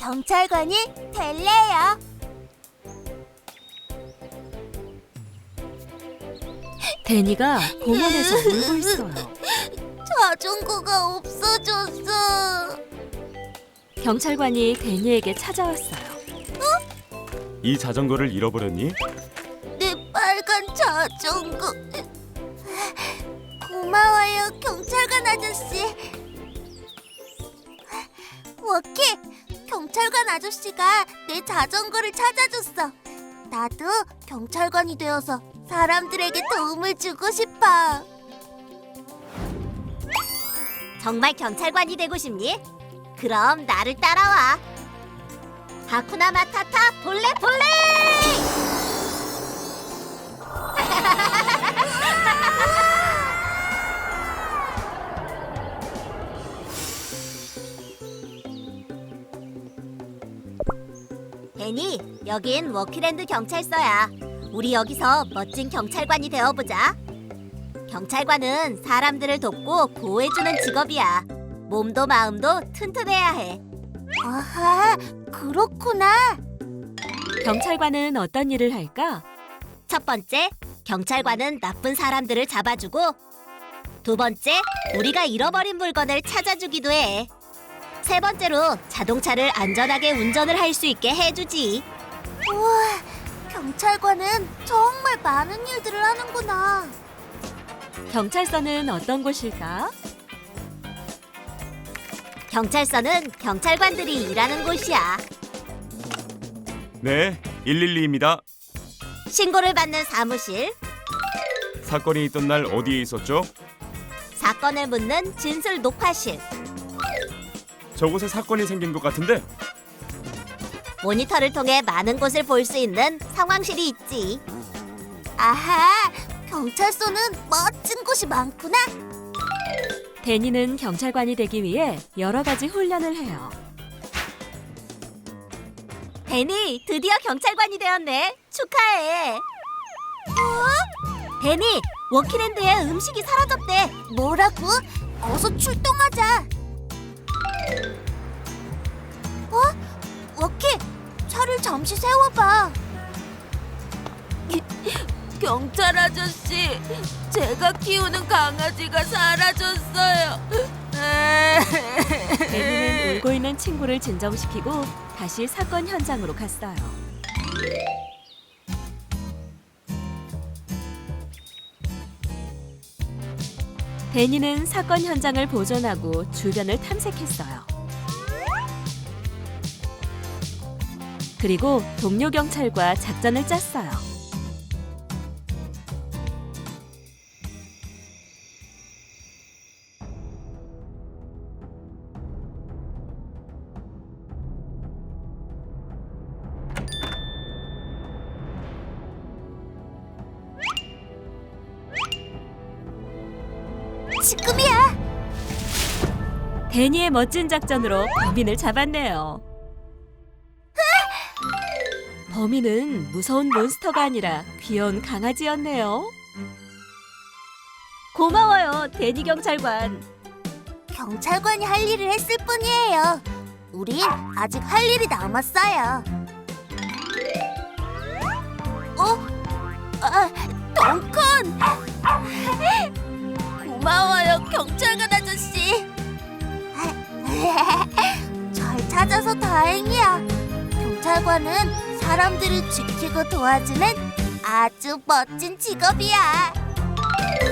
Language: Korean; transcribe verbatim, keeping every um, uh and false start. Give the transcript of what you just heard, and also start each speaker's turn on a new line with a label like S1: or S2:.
S1: 경찰관이 될래요.
S2: 데니가 공원에서 울고 있어요.
S1: 자전거가 없어졌어.
S2: 경찰관이 데니에게 찾아왔어요.
S3: 이 자전거를 잃어버렸니?
S1: 내 빨간 자전거. 고마워요, 경찰관 아저씨. 워키, 경찰관 아저씨가 내 자전거를 찾아줬어. 나도 경찰관이 되어서 사람들에게 도움을 주고 싶어. 정말 경찰관이 되고 싶니? 그럼 나를 따라와. 하쿠나 마타타 볼레 볼레! 데니, 여긴 워키랜드 경찰서야. 우리 여기서 멋진 경찰관이 되어보자. 경찰관은 사람들을 돕고 보호해주는 직업이야. 몸도 마음도 튼튼해야 해. 아하, 그렇구나.
S2: 경찰관은 어떤 일을 할까?
S1: 첫 번째, 경찰관은 나쁜 사람들을 잡아주고, 두 번째, 우리가 잃어버린 물건을 찾아주기도 해. 세 번째로 자동차를 안전하게 운전을 할 수 있게 해주지. 우와, 경찰관은 정말 많은 일들을 하는구나.
S2: 경찰서는 어떤 곳일까?
S1: 경찰서는 경찰관들이 일하는 곳이야.
S3: 네, 일일이입니다.
S1: 신고를 받는 사무실,
S3: 사건이 있던 날 어디에 있었죠?
S1: 사건을 묻는 진술 녹화실,
S3: 저곳에 사건이 생긴 것 같은데?
S1: 모니터를 통해 많은 곳을 볼 수 있는 상황실이 있지. 아하, 경찰서는 멋진 곳이 많구나.
S2: 데니는 경찰관이 되기 위해 여러 가지 훈련을 해요.
S1: 데니, 드디어 경찰관이 되었네. 축하해. 어? 데니, 워키랜드에 음식이 사라졌대. 뭐라고? 어서 출동하자. 어? 워키, 차를 잠시 세워봐. 경찰 아저씨, 제가 키우는 강아지가 사라졌어요.
S2: 데니는 울고 있는 친구를 진정시키고 다시 사건 현장으로 갔어요. 데니는 사건 현장을 보존하고 주변을 탐색했어요. 그리고 동료 경찰과 작전을 짰어요.
S1: 지금이야.
S2: 데니의 멋진 작전으로 범인을 잡았네요. 범인은 무서운 몬스터가 아니라 귀여운 강아지였네요. 고마워요, 데니 경찰관.
S1: 경찰관이 할 일을 했을 뿐이에요. 우린 아직 할 일이 남았어요. 어? 아, 덩컨! 고마워요, 경찰관 아저씨. 잘 찾아서 다행이야. 경찰관은 사람들을 지키고 도와주는 아주 멋진 직업이야.